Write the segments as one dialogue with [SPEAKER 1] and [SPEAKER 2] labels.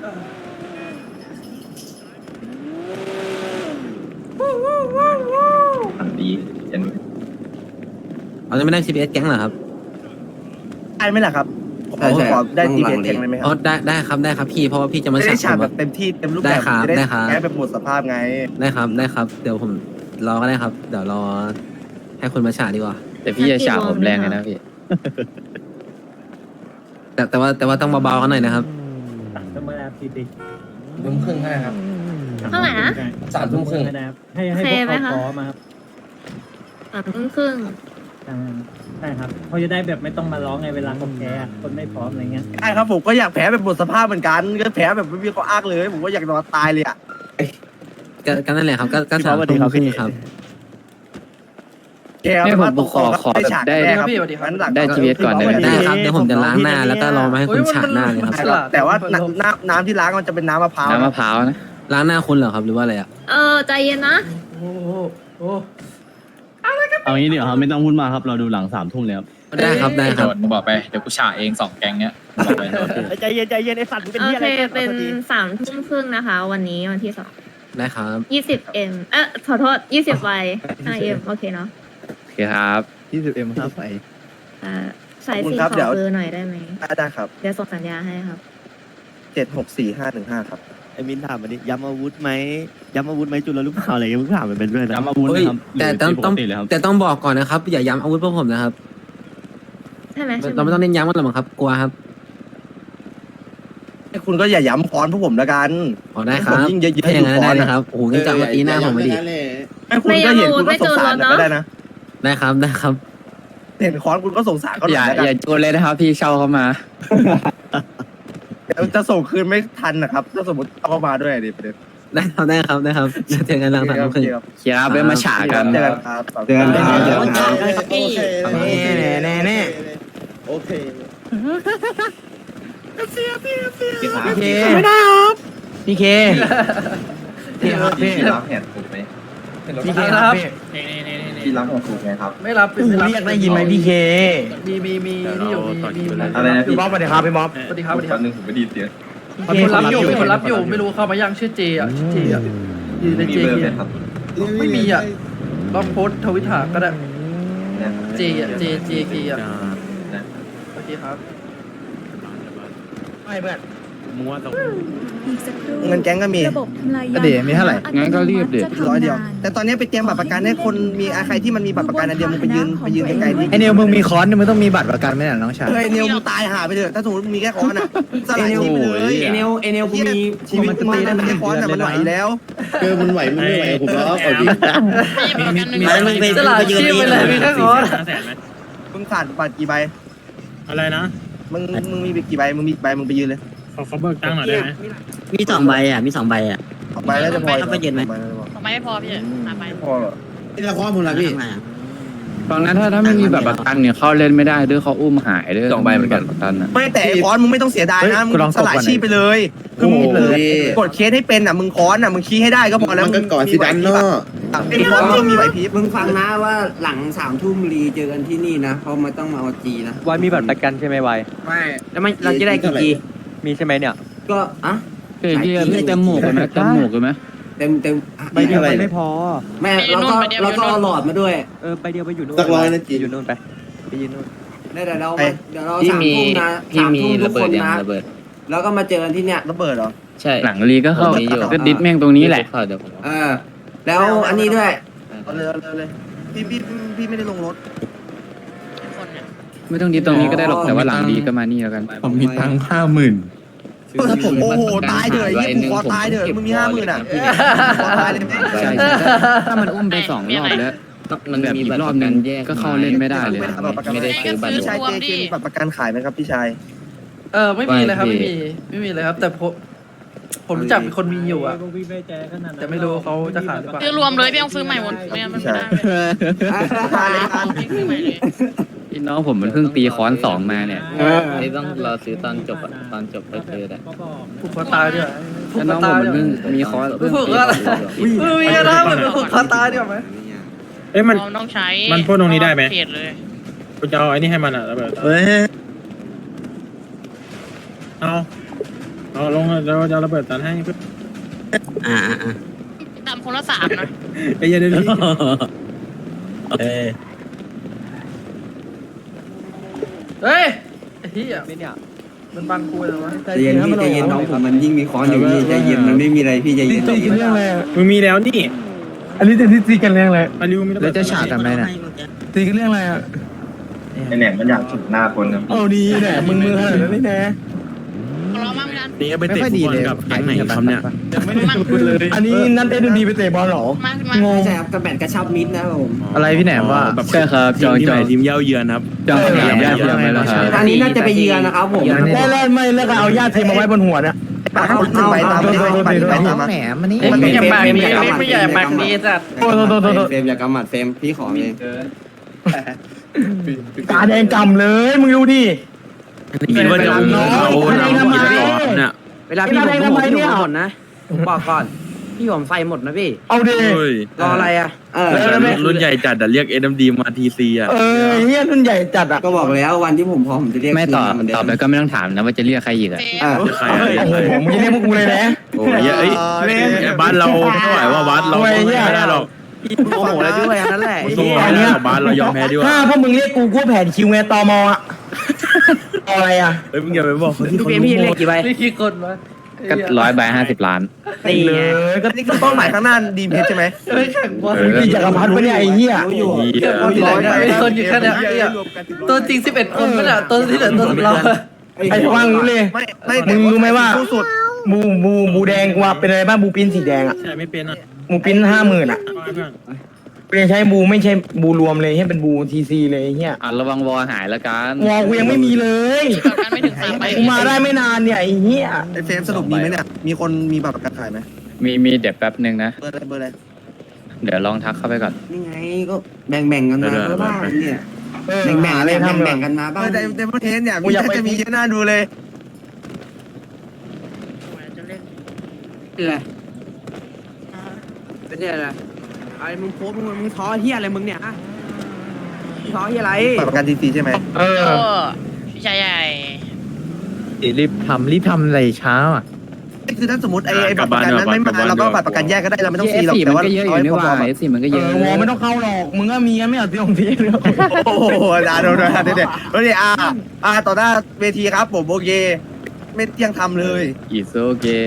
[SPEAKER 1] ดีเห็น
[SPEAKER 2] เราจะไม่ได้ CPS แก๊งเหรอครับ
[SPEAKER 3] ได้ไหมล่ะครับผมขอได้ดีเอสแข่งเลยไหมค
[SPEAKER 2] อ๋อ
[SPEAKER 3] รับ
[SPEAKER 2] ได้ครับได้ครับพี่เพราะว่าพี่จะมา
[SPEAKER 3] จะ
[SPEAKER 2] ฉา
[SPEAKER 3] ได้
[SPEAKER 2] ก
[SPEAKER 3] ฉาก
[SPEAKER 2] ผม
[SPEAKER 3] แบบเต็มที่เต็มรูปแบบ
[SPEAKER 2] ได้ครับ
[SPEAKER 3] จะได้
[SPEAKER 2] ได้ครับ
[SPEAKER 3] แก้แบบหมดสภาพไง
[SPEAKER 2] ได้ครับเดี๋ยวผมรอก็ได้ครับ เดี๋ยวรอให้คุณมาฉากดีกว่า
[SPEAKER 4] แต่พี่จะฉาบผมแรงเลยนะพี่
[SPEAKER 2] แต่ว่าต้องเบาๆกันหน่อยนะครับ
[SPEAKER 5] ต้องมารับทีติ
[SPEAKER 6] ทุ่มครึ่งให้ครับ
[SPEAKER 7] เท่าไหร่นะ
[SPEAKER 6] 3 ทุ่มครึ่ง
[SPEAKER 5] นะครับให้พวกเขาพร้อมครับ
[SPEAKER 7] ครึ่ง
[SPEAKER 5] ใช่ครับเขาจะได้แบบไม่ต้องมาร้องไงเวลาเขาแพ้คนไม่พร้อมอะไรเงี้ย
[SPEAKER 3] ใช่ครับผมก็อยากแพ้แบบหมดสภาพเหมือนกันก็แพ้แบบไม่มีข้ออ้างเลย ผมก็อยากนอนตายเลยอ่ะ
[SPEAKER 2] ก็นั่นแหละครับก็สามทุ่มครึ่งครับ
[SPEAKER 3] แก
[SPEAKER 4] ไม่ผม
[SPEAKER 3] ตก
[SPEAKER 4] ขอ
[SPEAKER 3] ได้ฉาก
[SPEAKER 4] ได้
[SPEAKER 3] แน่ครับ
[SPEAKER 4] ได้ GPS ก่อนได้ไหม
[SPEAKER 2] ได้ครับเดี๋ยวผมจะล้างหน้าแล้วก็รอมาให้คุณฉากหน้าเลยครับ
[SPEAKER 3] แต่ว่าน้ำที่ล้างมันจะเป็นน้ำมะพร้าว
[SPEAKER 4] น้ำมะพร้าวนะ
[SPEAKER 2] ล้างหน้าคุณเหรอครับหรือว่าอะไรอ่ะ
[SPEAKER 7] ใจเย็นนะ
[SPEAKER 8] เอางี้เดี๋ยวครับไม่ต้องพูดมากครับเราดูหลัง3 ทุ่มเลยครับ
[SPEAKER 2] ได้ครับได้ค
[SPEAKER 1] โด
[SPEAKER 2] รับ
[SPEAKER 1] ดมึงบอกไปเดี๋ยวกูฉาเอง2 แกงเนี้ยบอกไปโดด
[SPEAKER 3] ใจเย็นใจเย็นไอ้สัตว์เป็น
[SPEAKER 7] โอ
[SPEAKER 3] ที่อะไร
[SPEAKER 7] เค
[SPEAKER 3] กัน
[SPEAKER 7] เป็น
[SPEAKER 3] พอดี
[SPEAKER 7] 3 ทุ่มครึ่งนะคะ วันนี้วันที่
[SPEAKER 2] ได้ครับ
[SPEAKER 7] 2 20M ขอโทษ20 Y 5M โอเคเนาะ
[SPEAKER 4] โอเคครับ
[SPEAKER 8] 20M ครับไป
[SPEAKER 7] สายสีขอเบอร์หน่อยได้ไหม
[SPEAKER 3] ได้ครับ
[SPEAKER 7] เดี๋ยวส่งสัญญาให้ครับ
[SPEAKER 3] 764515ครับ
[SPEAKER 8] ไอ้มินถามมาดิย้ำอาวุธไหมจุลหรือเปล่าอะไรเงี้ยมึงถามมันเป็นด้วยนะย้ำอาวุธ
[SPEAKER 2] เฮ้ย
[SPEAKER 8] นะครับ
[SPEAKER 2] แต่ต้องบอกก่อนนะครับ อย่าย้ำอาวุธพวกผมนะครับ
[SPEAKER 7] ใช่ไหม
[SPEAKER 2] เราไม่ต้องเน้นย้ำกันหรอกครับกลัวครับ
[SPEAKER 3] คุณก็อย่าย้ำค้อนพวกผมแล้วกัน
[SPEAKER 2] อ๋อได้ครับ
[SPEAKER 3] ผมยิ่งเยอะๆ
[SPEAKER 2] ถ้าอย่างนั้น
[SPEAKER 3] ดูก่
[SPEAKER 2] ได้
[SPEAKER 3] อน
[SPEAKER 2] นะครับโอ้โหนี่จะมาตีหน้าผมไม่ดี
[SPEAKER 3] ให้คุณก็เห็นคุณก็สงสารก็ได้นะ
[SPEAKER 2] ได้ครับได้ครับ
[SPEAKER 3] เห็นค้อนคุณก็สงสารเขาห
[SPEAKER 4] อ
[SPEAKER 3] น่
[SPEAKER 4] ย่า
[SPEAKER 3] อยแล้วกั
[SPEAKER 4] อย่าน โจนเลยนะครับพี่เช่าเข้ามา
[SPEAKER 3] จะส่งคืนไม่ทันนะครับถ้าสมมติเอาเข้ามาด้วยดิประเด็น
[SPEAKER 2] ได้ครับได้ครับได้ครับเจอกันหลัง3 ทุ่มครึ่ง
[SPEAKER 3] ครับ
[SPEAKER 4] เคียร์ไปมาฉากัน
[SPEAKER 3] เจอกันครับ
[SPEAKER 2] เจอกันครับเจอกันครับ
[SPEAKER 3] แน่
[SPEAKER 6] โอเค
[SPEAKER 3] ไม่ได้ครับ
[SPEAKER 2] พี่เค
[SPEAKER 1] พี่รับแผนถูกไหม
[SPEAKER 2] พี่เคครับ
[SPEAKER 1] พี่รับแผนถูกไหมครับ
[SPEAKER 3] ไม่รับเรียกได้ยินไหมพี่เคมีนี่อยู่มี
[SPEAKER 1] อะไรนะพี่
[SPEAKER 3] บ๊อบสวัสดีครับพี่บ๊อบ
[SPEAKER 6] สวัสดีครับสวัสดีค
[SPEAKER 1] แป๊
[SPEAKER 6] รับบ
[SPEAKER 1] นึงผมไม่ดีเสียง
[SPEAKER 6] มีคนรับอยู่มีคนรับอยู่ไม่รู้เข้ามายังชื่อเจอ่ะชื่อเจอ่ะอยู่ใน
[SPEAKER 1] มี
[SPEAKER 6] เจ
[SPEAKER 1] เบอร์
[SPEAKER 6] เกี
[SPEAKER 1] ไหม
[SPEAKER 6] ย
[SPEAKER 1] ครับ
[SPEAKER 6] ไม่มีอ่ะลองโพสทวิตหาก็ได้
[SPEAKER 1] เนี่ย
[SPEAKER 6] เจอ่ะเจเกียอ่ะโอเคครับ
[SPEAKER 3] ไม่เพื่อน
[SPEAKER 9] อีกสักครู่
[SPEAKER 3] เงินแก๊งก็มี
[SPEAKER 9] ระบบทำลายยาง
[SPEAKER 4] เดี๋ยวมีเท่าไหร่งั้นก็รีบดิ
[SPEAKER 3] 100 เดียว แต่ตอนนี้ไปเตรียมบัตรประกันให้คนมีใครที่มันมีบัตรประกันอันเดียวมึงไปยืนไกลๆที่
[SPEAKER 2] ไอเนลมึงมีค้อนมึงต้องมีบัตรประกันไหมล่ะน้องชาย
[SPEAKER 3] ไอเนลมึงตายหาไปเถอะถ้าสมมติมึงมีแค่ค้อนอ่ะสลายชีพไปเลย
[SPEAKER 2] ไอเนลกูมี
[SPEAKER 3] ชีวิตมันได้มันแค่ค้อนอ่ะมันไหวแล้ว
[SPEAKER 6] มันไหวมันไม่ไหวผมแล้วเอาดิ
[SPEAKER 3] สลายชีพไปเลยมีแค่ค้อนมึงขาดบัตรกี่ใบ
[SPEAKER 5] อะไรนะ
[SPEAKER 3] มึงมีกี่ใบมึงมีใบมึงไปยืนเลย
[SPEAKER 5] เขาเบิกตังค์หน่อยได้ไหม
[SPEAKER 2] มี2 ใบอ่ะมี2 ใบอ่ะ
[SPEAKER 3] ใบแล้วจะพอ
[SPEAKER 2] ไปยืนไหม
[SPEAKER 7] ไม่พอพี่ไป
[SPEAKER 3] พอหรอ
[SPEAKER 6] นี่ละครผมละพี่
[SPEAKER 4] ตอนนั้นถ้าไม่มีแบบประกันเนี่ยเข้าเล่นไม่ได้ด้วยเขาอุ้มหายด้วย2 ใบเหมือนกันประกันนะ
[SPEAKER 3] ไม่แต่ไอ้ค้อนมึงไม่ต้องเสียดายนะมึงสลายชีพไปเลยคือมึงกดเคสให้เป็นอ่ะมึงค้อนอ่ะมึงขี้ให้ได้ก็พอแล้ว
[SPEAKER 6] มันก็ก่อนสิดันเนาะ
[SPEAKER 3] ไอ้ค้อนมึงมีไหวพริบ
[SPEAKER 2] มึงฟังนะว่าหลัง3 ทุ่มรีเจอกันที่นี่นะเพราะมันต้องมาเอาจีนะ
[SPEAKER 5] วายมีบัตรประกันใช่ไหมวาย
[SPEAKER 3] ไม่
[SPEAKER 2] แล้วมันเราจะได้กี่จี
[SPEAKER 5] มีใช่ไหมเนี่ย
[SPEAKER 2] ก็อ่ะ
[SPEAKER 4] เกียร์ไม่เต็มหมวกเลยไหมเต็มหมวกเลยไหม
[SPEAKER 2] เต็ม
[SPEAKER 5] ใบเดียวมันไม่พอ
[SPEAKER 2] แม่เราก็เอาหลอดมาด้วย
[SPEAKER 5] ใบเดียวไปอยู่นู่น
[SPEAKER 6] สักร้อยนะจี
[SPEAKER 5] อยู่นู่นไปยืนนู่น
[SPEAKER 2] เดี๋ยวเรา
[SPEAKER 4] พี่
[SPEAKER 2] 3
[SPEAKER 4] มี
[SPEAKER 2] ทุ่มนะ
[SPEAKER 4] พี่มี
[SPEAKER 2] 3 ทุ่มทุ
[SPEAKER 4] ระ
[SPEAKER 2] ก
[SPEAKER 4] เบิ
[SPEAKER 2] ค
[SPEAKER 4] ด
[SPEAKER 2] น
[SPEAKER 4] ยัง
[SPEAKER 2] นะ
[SPEAKER 4] ระเบิด
[SPEAKER 2] แล้วก็มาเจอกันที่เนี่ย
[SPEAKER 3] ระเบิดเหรอ
[SPEAKER 4] ใช่หลังรีก็เข้าก็ดิสแม่งตรงนี้แหละ
[SPEAKER 2] แล้วอันนี้ด้วย
[SPEAKER 3] เอาเลยพี่ไม่ได้ลงรถ
[SPEAKER 4] ไม่ต้องดิสตรงนี้ก็ได้หรอกแต่ว่าหลังรีก็มานี่แล้วกัน
[SPEAKER 8] ผมมีตังค์50,000
[SPEAKER 3] โอ้โหตายเถอะยี่กูคอตายเถอะมึงมี50,000อ่ะคอตายเลย
[SPEAKER 4] ใช่ถ้ามันอุ้มไป2 รอบแล้วมันแบบอีกรอบนึงก็เข้าเล่นไม่ได้เลยนะไม่ได้ซื้อบัตร
[SPEAKER 3] พี่ชายเจมีบัตรประกันขายไหมครับพี่ชาย
[SPEAKER 6] ไม่มีเลยครับไม่มีเลยครับ แต่ผมรู้จักมีคนมีอยู่อ่ะ
[SPEAKER 5] พวกพี่ไม่ใจขนาดนั้น
[SPEAKER 6] แต่ไม่รู้เขาจะขายหรือเปล่า
[SPEAKER 7] ซื้อรวมเลยพี่ต้องซื้อใหม่หมดไม่งั้นมันไม่ได้
[SPEAKER 3] ขายเลยครับ
[SPEAKER 7] พี่ซื้อใหม่เลย
[SPEAKER 4] พี่น้องผมมันเพิ่งตีค้อน2มาเนี่ยนี่ต้องรอซื้อตอนจบไปซื้อได้
[SPEAKER 5] ก็บอก
[SPEAKER 6] ผูกคอตายด้วยผูก
[SPEAKER 4] แล้ว
[SPEAKER 6] ค
[SPEAKER 4] น้
[SPEAKER 6] อ
[SPEAKER 4] องผ
[SPEAKER 6] ตาม ย
[SPEAKER 4] มัน
[SPEAKER 6] ด้วย
[SPEAKER 4] เพิ่งมีค้อนเพิ่ง
[SPEAKER 6] ผูก
[SPEAKER 4] ตี
[SPEAKER 6] อะไรมีนะมันผูกคอตายด้วยไหม
[SPEAKER 5] มัน
[SPEAKER 7] ต้องใช้
[SPEAKER 5] มันพ่นตรงนี้ได้ไหม
[SPEAKER 7] เขตเลย
[SPEAKER 5] กูจะเอาไอ้นี่ให้มันอ่ะแล้วแบบ
[SPEAKER 3] เฮ้ย
[SPEAKER 5] เอาเอาลงเราจะระเบิดตันให้เพื่อน
[SPEAKER 2] อ่า
[SPEAKER 7] ดำคนละ3นะ
[SPEAKER 5] ไอ้ยันเดี๋ยวนี้
[SPEAKER 6] เฮ้ยไอ้เหี้ยมันบังกูเลยวะ
[SPEAKER 3] ใจเย็นพี่ใจเย็นน้องผมมันยิ่งมีค้อนอยู่พี่ใจเย็นมันไม่มีอะไรพี่ใจเย็น
[SPEAKER 5] ตีกันเรื่องอะไรมึงมีแล้วนี่อันนี้จะตีกันเรื่องอะไรอันนี้มี
[SPEAKER 4] แล้วจะฉากทำไมน่ะ
[SPEAKER 5] ตีกันเรื่องอะไรอ่ะ
[SPEAKER 1] ไอแหนมมันอยากฉุดหน้าคนนะ
[SPEAKER 5] เอาดีแหละมึงขนาดนั้นเลยนะ
[SPEAKER 7] รอมาไม่ทัน
[SPEAKER 2] นี่ไปเตะฟุตบอลกับแก๊งไหนครับเนี่ย
[SPEAKER 5] อันนี้นั่นเอ็นดีไปเตะบอลหรอ
[SPEAKER 7] งง
[SPEAKER 3] ใช่ครับกระแบนกระชับมิดนะผม
[SPEAKER 4] อะไรพี่แหนมว่าใช่ครับจองทีมเย้าเยือนครับจองสนามเย้าเยือนไหมล่ะครับ
[SPEAKER 3] อันนี้น่าจะไปเยือนนะครับผม
[SPEAKER 5] แรกไม่แล้วก็เอาญาติเทมาไว้บนหัวเนี่ย
[SPEAKER 3] เอาไปตามไปตามมา
[SPEAKER 4] แหนมมันนี่
[SPEAKER 6] ไม่อยากปากดีไม่อยากปากดีจัด
[SPEAKER 3] เฟรมอย่ากำหมัดเฟรมพี่ขอเลย
[SPEAKER 5] ตาแดงกำเลยมึงดูดิ
[SPEAKER 2] คิดว่าจะอุ้มเขาเราคิดก่อนเนี่ย
[SPEAKER 3] เวลาพี่ผมพี่หมดนะผมบอกก่อนพี่ผมใส่หมดนะพี่
[SPEAKER 5] เอาดิ
[SPEAKER 2] เฮ้ย
[SPEAKER 3] รออะไรอ่ะ
[SPEAKER 2] รุ่นใหญ่จัดแต่เรียก SMD มา TC อ่ะ
[SPEAKER 5] เฮียรุ่นใหญ่จัดอ่ะ
[SPEAKER 3] ก็บอกแล้ววันที่ผมพร้อมผมจะเรียก
[SPEAKER 4] ไม่ตอบแล้วก็ไม่ต้องถามนะว่าจะเรียกใครอีกอ่ะ
[SPEAKER 2] ใคร
[SPEAKER 5] โอ้โหมึงจะเรียกพวกกูเลยนะ
[SPEAKER 2] โอ้ยเอ้ยบ้านเราไม่ไหวว่าวัดเราไม่ได้หรอก
[SPEAKER 3] โอ้โหแล้วด้วยอันนั้นแหละ
[SPEAKER 2] สู้บ้านเรายอมแพ้ดีกว่า
[SPEAKER 5] ถ้าพวกมึงเรียกกูแผนคิวไงตมอ่ะอะไรอ่ะ
[SPEAKER 2] เฮ้ยมึงอย่าไปบอกเขาที่เขา
[SPEAKER 3] พี่เรียกกี่ใบ
[SPEAKER 6] นี่กี่คนวะ
[SPEAKER 4] ก็100 ใบ 50 ล้าน
[SPEAKER 3] ตีก็นี่คือเป้าหมายข้างหน้าดีเพชรใช่ไหม
[SPEAKER 6] ไม่แข่งบอล
[SPEAKER 5] พี่จักรพันธ์ปะเนี่ยไอ้เหี้ย
[SPEAKER 6] แข่งบอลที่ไหนมีคนอยู่แค่เนี้ยตัวจริง11 คนไม่ใช่ตัวที่เหลือตัวสำรอง
[SPEAKER 5] ไอ้ฟังรู้เลยมึงรู้ไหมว่าบูแดงว่าเป็นอะไรบ้างบูปิ้นสีแดงอ่ะ
[SPEAKER 1] ใช่ไม่เป็นอ่ะ
[SPEAKER 5] บูปิ้น50,000อ่ะกูยังใช้บูไม่ใช่บูรวมเลยให้เป็นบูทีซีเลยไอ้เหี้ย
[SPEAKER 4] ระวังวอหายแล้วกัน
[SPEAKER 5] วอกูยังไม่มีเลย
[SPEAKER 7] กันไม่ถึง3ใบ
[SPEAKER 5] กูมาได้ไม่นานเนี่ยไอ้เหี้ย
[SPEAKER 3] ไอเฟรมสรุปมีไหมเนี่ยมีคนมีบัตรประกันขายไหม
[SPEAKER 4] มีเดี๋ยวแป๊บนึงนะ
[SPEAKER 3] เบอร์อะไร
[SPEAKER 4] เดี๋ยวลองทักเข้าไปก่อน
[SPEAKER 3] นี่ไงก็แบ่งกันมาบ้างเนี่ยแบ่งกันมาบ้างในประเทศเนี่ยมีจะมีเยอะน่าดูเลยอะไรเป็นอะไรไอ้มึงโพสมึงท้อเฮียอะไรมึงเนี่ยท้อเฮียอะไรประกันทีใช่ไหม
[SPEAKER 7] พี่ชายใหญ่
[SPEAKER 4] รีบทำอะไรเช้าอ่ะ
[SPEAKER 3] คือถ้าสมมติไอ้บัตรประกันนั้นไม่มาเราก็บัตรประกันแยกก็ได้เราไม่ต้องฟรีหรอกแต่ว่า
[SPEAKER 4] ก็เยอะอยู่นี่ว่าF4มันก็เยอะ
[SPEAKER 5] วอไม่ต้องเข้าหรอกมึงก็มีไม่เอาที่ของที่เลย
[SPEAKER 3] โอ้โหโดนเดี๋ยวต่อหน้าเวทีครับผมโอเคไม่เที่ยงทำเลย
[SPEAKER 4] It's okay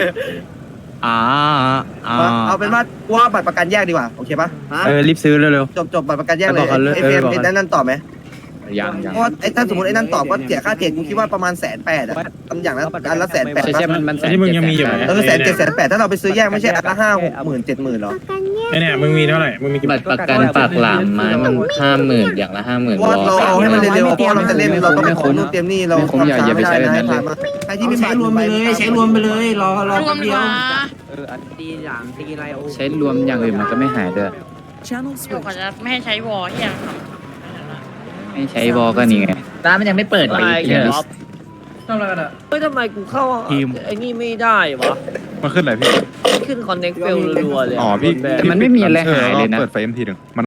[SPEAKER 3] เอาเป็นว่าบัตรประกันแยกดีกว่าโอเคปะ
[SPEAKER 4] รีบซื้อเร็ว
[SPEAKER 3] จบบัตรประกันแยกเลยไอเฟรมเป็นนั่นต่อไหม
[SPEAKER 4] ๆยัง
[SPEAKER 3] เพราะไอ้ถ้าสมมติไอ้นั่นตอบก็เสียค่าเทรดกูคิดว่าประมาณ180,000อ่ะทำอย่างละอันละ180,000
[SPEAKER 4] ใช่มัน
[SPEAKER 1] ที่มึงยังมีอยู่ไหม
[SPEAKER 3] 170,000ถ้าเราไปซื้อแยกไม่ใช่อันละ50,000 70,000หรอ
[SPEAKER 1] ไอเนี่ยมึงมีเท่าไหร่มึงมีกี่
[SPEAKER 4] บัตรประกันปากหลามไม้มัน50,000อย่างละ50,000
[SPEAKER 3] ว่าเราเอาให้มันเร็วๆเพราะเราจะเล่นเราต้องไปขอนู่นเตรียมนี่เราทำช้าไม่ได้นะใครที่ไม่ใช้รวมไปเลยใช้รวมไปเลยรอ
[SPEAKER 7] รวมดีกว่า
[SPEAKER 3] ตีอย่างตีอะไรโอ้
[SPEAKER 4] ใช้รวมอย่างอื่นมันก็ไม่หายด้วย
[SPEAKER 9] Channel
[SPEAKER 7] เดี๋ยว
[SPEAKER 9] switch.
[SPEAKER 7] ก่อนจะไม่ให้ใช้วอลที่ยัง
[SPEAKER 4] ไม่ใช้วอลก็นี่ไงร้านมันยังไม่เปิดเลย
[SPEAKER 6] ทำอะไรกันอ่ะ
[SPEAKER 3] เฮ้ยทำไมกูเข้าไอ้นี่ไม่ได้วะ
[SPEAKER 1] มาขึ้นไหนพี่
[SPEAKER 3] ขึ้นคอนเน็กเฟลรัวเลย
[SPEAKER 1] อ๋อพี่
[SPEAKER 4] แต่มันไม่มีอะไรหายเลยนะ
[SPEAKER 1] เปิดไฟเอ็มทีหนึ่งมัน